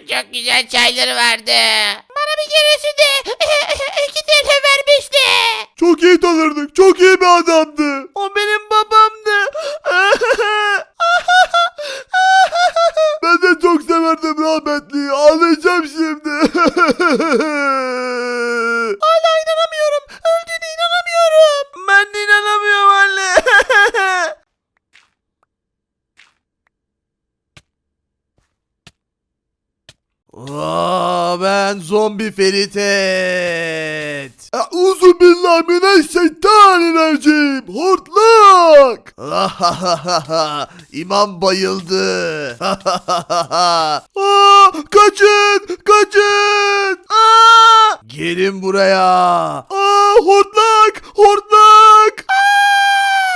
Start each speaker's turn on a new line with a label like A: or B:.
A: Çok güzel çayları vardı. Bana bir keresinde 2 TL vermişti.
B: Çok iyi tanırdık. Çok iyi bir adamdı.
C: O benim babamdı.
B: Ben de çok severdim rahmetliyi. Ağlayacağım şimdi.
C: Hala inanamıyorum. Öldüğüne inanamıyorum. Ben de inanamıyorum anne. Ben zombi Feritet.
B: Uzun billahi mineşşeytanirracim. Hortlak.
C: İmam bayıldı.
B: Kaçın. Kaçın.
C: Gelin buraya.
B: Hortlak.